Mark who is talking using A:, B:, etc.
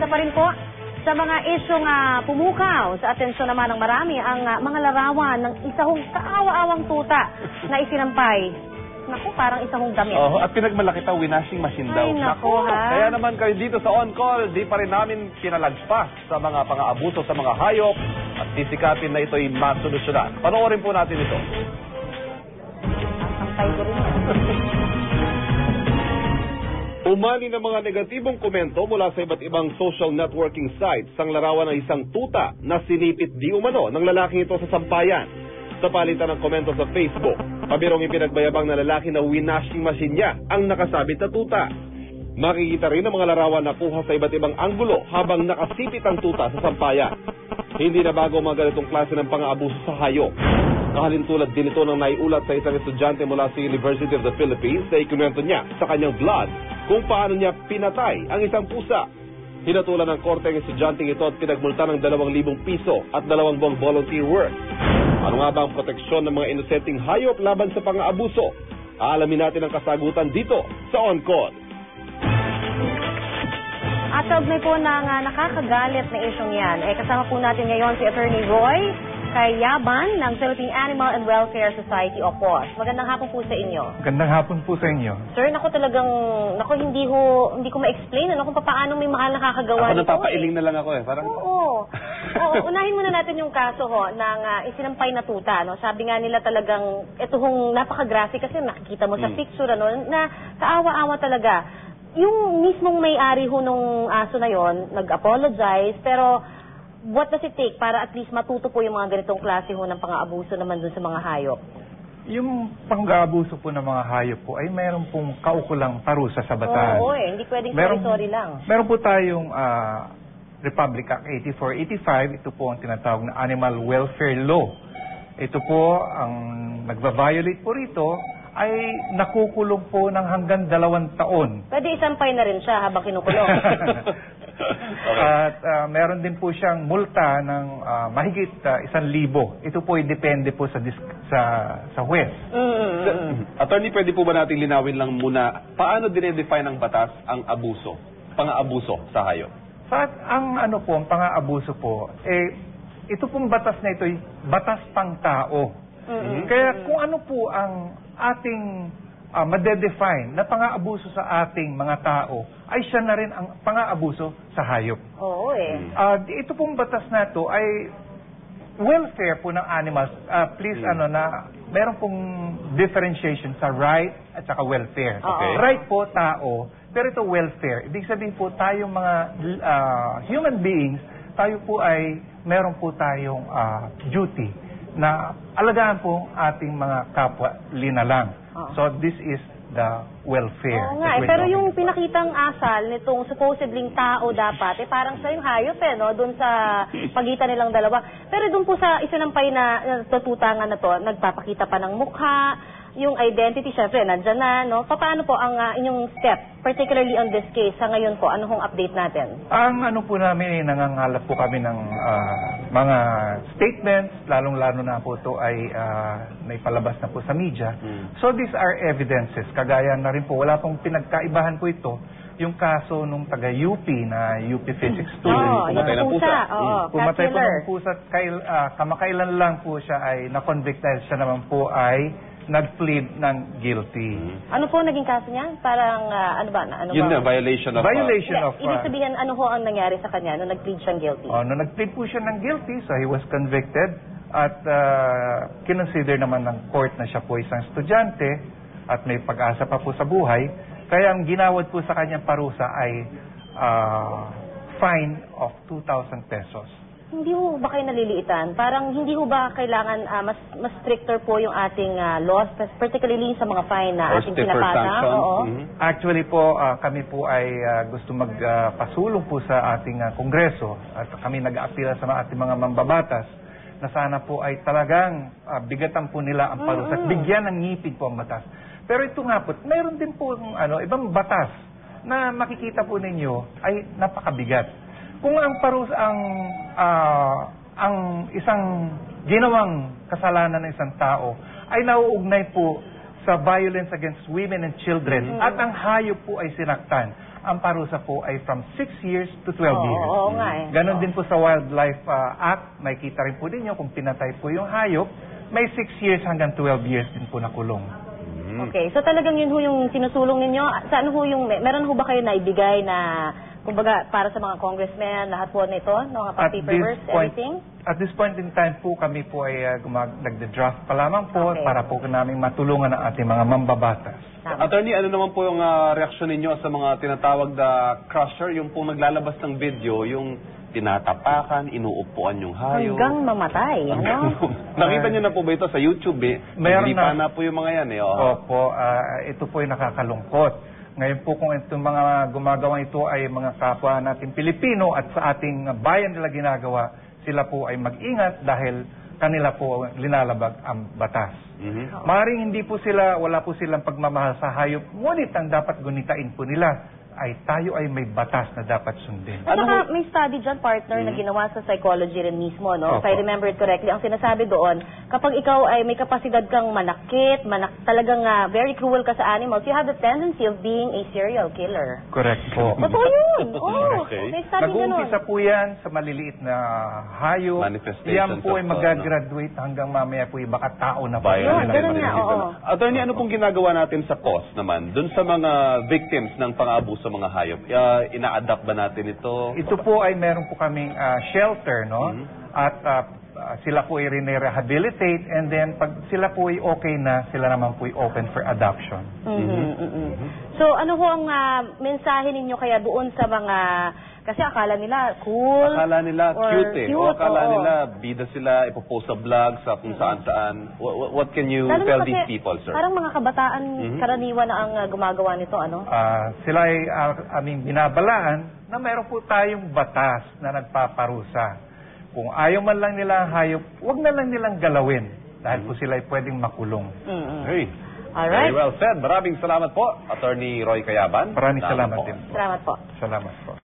A: Isa pa rin po sa mga isyong pumukaw sa atensyon naman ng marami ang mga larawan ng isang kaawa-awang tuta na isinampay. Naku, parang isang damit.
B: At pinagmalaki pa, winashing machine daw.
A: Ay, naku, ha?
B: Kaya naman kayo dito sa On Call, di pa rin namin pinalagpas sa mga pang-aabuso sa mga hayop at sisikapin na ito'y masolusyonan. Panoorin po natin ito.
A: Sampay ko rin yan.
B: Umani ng mga negatibong komento mula sa iba't ibang social networking sites ang larawan ng isang tuta na sinipit di umano ng lalaking ito sa sampayan. Sa palitan ng komento sa Facebook, pabirong ipinagbayabang na lalaki na winashing machine niya ang nakasabit na tuta. Makikita rin ang mga larawan na kuha sa iba't ibang anggulo habang nakasipit ang tuta sa sampayan. Hindi na bago mga ganitong klase ng pang-aabuso sa hayop. Kahalintulad din ito ng naiulat sa isang estudyante mula sa University of the Philippines na ikinuwento niya sa kanyang vlog kung paano niya pinatay ang isang pusa. Hinatulan ng korte ang estudyanteng ito at pinagmulta ng 2,000 piso at 2 buwang volunteer work. Ano nga ba ang proteksyon ng mga inosenteng hayop laban sa pang-aabuso? Aalamin natin ang kasagutan dito sa On Call.
A: At kaugnay po ng nakakagalit na isyong yan, kasama po natin ngayon si Attorney Roy Cayaban ng Philippine Animal and Welfare Society o POS. Magandang hapon po sa inyo.
C: Magandang hapon po sa inyo.
A: Sir, hindi ko ma-explain kung paano may mahal nakakagawa
B: nito. Ako napapailing na lang ako Parang...
A: Oo, unahin muna natin yung kaso ng isinampay na tuta. No? Sabi nga nila talagang, ito hong napaka-graphic kasi nakikita mo sa picture, na kaawa-awa talaga. Yung mismong may-ari ho nung aso na yon, nag-apologize, pero what does it take para at least matuto po yung mga ganitong klase ho ng pang-aabuso naman dun sa mga hayop?
C: Yung pang-aabuso po ng mga hayop po ay mayroon pong kaukulang parusa sa batas.
A: Oo, hindi pwedeng sorry lang.
C: Meron po tayong Republic Act 8485, ito po ang tinatawag na Animal Welfare Law. Ito po, ang nagva-violate po rito ay nakukulong po ng hanggang 2 taon.
A: Pwede isampay na rin siya habang kinukulong.
C: At meron din po siyang multa ng mahigit 1,000. Ito po ay depende po sa huwes.
B: Attorney, pwede po ba natin linawin lang muna paano dinedefine ng batas ang abuso, pang-aabuso sa hayop?
C: Ang pang-aabuso po, ito pong batas na ito ay batas pang tao. Kaya kung ano po ang ating madedefine na pang-aabuso sa ating mga tao, ay siya na rin ang pang-aabuso sa hayop.
A: Oo
C: Ito pong batas na ito ay welfare po ng animals. Please, meron pong differentiation sa right at saka welfare.
B: Okay.
C: Right po, tao, pero ito welfare. Ibig sabihin po, tayong mga human beings, tayo po ay meron po tayong duty na alagaan po ating mga kapwa linalang. So this is the welfare.
A: Oo nga, pero yung pinakitang asal nitong supposedly tao dapat, parang sa yung hayop doon sa pagitan nilang dalawa. Pero doon po sa isinampay na tututangan na to, nagpapakita pa ng mukha, yung identity, syempre, nandyan na, no? Paano po ang inyong step, particularly on this case, sa ngayon po, ano hong update natin?
C: Ang po namin, nangangalap po kami ng mga statements, lalong-lalo na po ito ay naipalabas na po sa media. So these are evidences. Kagaya na rin po, wala pong pinagkaibahan po ito, yung kaso nung taga-UP na UP Physics student.
B: Pumatay ng pusa.
C: Pumatay po ng pusa. Kamakailan lang po siya ay na-convict dahil siya naman po ay nag-plead ng guilty.
A: Ano po naging kaso niya? Parang,
B: Yun na, violation of...
A: Ibig sabihin, ano ho ang nangyari sa kanya nung nag-plead siyang guilty?
C: Nung nag-plead po siya ng guilty, so he was convicted at kinonsider naman ng court na siya po isang estudyante at may pag-asa pa po sa buhay. Kaya ang ginawad po sa kanyang parusa ay fine of 2,000 pesos.
A: Hindi ho ba kayo naliliitan? Parang hindi ho ba kailangan mas stricter po yung ating laws, particularly sa mga fine na ating pinapasa?
C: Actually po, kami po ay gusto magpasulong po sa ating kongreso at kami nag-aapila sa ating mga mambabatas na sana po ay talagang bigatan po nila ang parusa at bigyan ng ngipin po ang batas. Pero ito nga po, mayroon din po ibang batas na makikita po ninyo ay napakabigat. Kung ang parusa ang isang ginawang kasalanan ng isang tao ay nauugnay po sa violence against women and children at ang hayop po ay sinaktan, ang parusa po ay from 6 years to 12 years.
A: Oo nga eh.
C: Ganon din po sa Wildlife Act, may kita rin po ninyo kung pinatay po yung hayop, may 6 years hanggang 12 years din po na kulong.
A: Okay, so talagang yun ho yung sinusulong ninyo. Saan ho yung, meron ho ba kayo naibigay na, kumbaga, para sa mga congressmen, lahat po nito, mga paperwork, everything?
C: At this point in time po, kami po ay nagde-draft pa lamang po para po namin matulungan ang ating mga mambabatas.
B: Attorney, ano naman po yung reaksyon ninyo sa mga tinatawag na crusher, yung pong naglalabas ng video, yung tinatapakan, inuupuan yung hayop.
A: Hanggang mamatay, ano?
B: Nakita niyo na po ba ito sa YouTube eh?
C: Meron
B: na po yung mga yan eh.
C: Opo, ito po ay nakakalungkot. Ngayon po kung itong mga gumagawa ito ay mga kapwa nating Pilipino at sa ating bayan nila ginagawa, sila po ay mag-ingat dahil kanila po linalabag ang batas. Maaaring hindi po sila, wala po silang pagmamahal sa hayop, ngunit ang dapat gunitain po nila ay tayo ay may batas na dapat sundin.
A: At saka may study dyan, partner, na ginawa sa psychology rin mismo, no? If
C: Opo.
A: I remember it correctly, ang sinasabi doon, kapag ikaw ay may kapasidad kang manakit, talagang very cruel ka sa animals, you have the tendency of being a serial killer.
C: Correct po.
A: Totoo yun! Oh,
B: Okay.
A: may study ganun.
C: Nag-uumpisa po yan sa maliliit na hayop.
B: Manifestations
C: Yan po ay
B: of,
C: mag-graduate hanggang mamaya po ay baka tao na po.
A: Yun, ganun nga, oo.
B: Attorney, ano pong ginagawa natin sa cause naman, dun sa mga victims ng pang-aabuso sa mga hayop? Ina-adapt ba natin ito?
C: Ito po ay meron po kaming shelter, no? At sila po ay rehabilitate and then pag sila po ay okay na, sila naman po ay open for adoption.
A: So, ano ho ang mensahe ninyo kaya doon sa mga, kasi akala nila cool.
B: Akala nila
A: or
B: cute eh. O akala
A: oo.
B: nila bida sila, ipopost sa vlog sa kung saan-saan. What can you
A: Lalo na
B: tell
A: kasi
B: these people, sir?
A: Parang mga kabataan, karaniwan na ang gumagawa nito, ano?
C: Sila ay aming binabalaan na meron po tayong batas na nagpaparusa. Kung ayaw man lang nila ang hayop, huwag na lang nilang galawin dahil po sila ay pwedeng makulong.
B: Hey.
A: Alright.
B: Very well said. Maraming salamat po, Attorney Roy Cayaban.
C: Maraming salamat
B: po.
C: din po.
A: Salamat po.
C: Salamat po.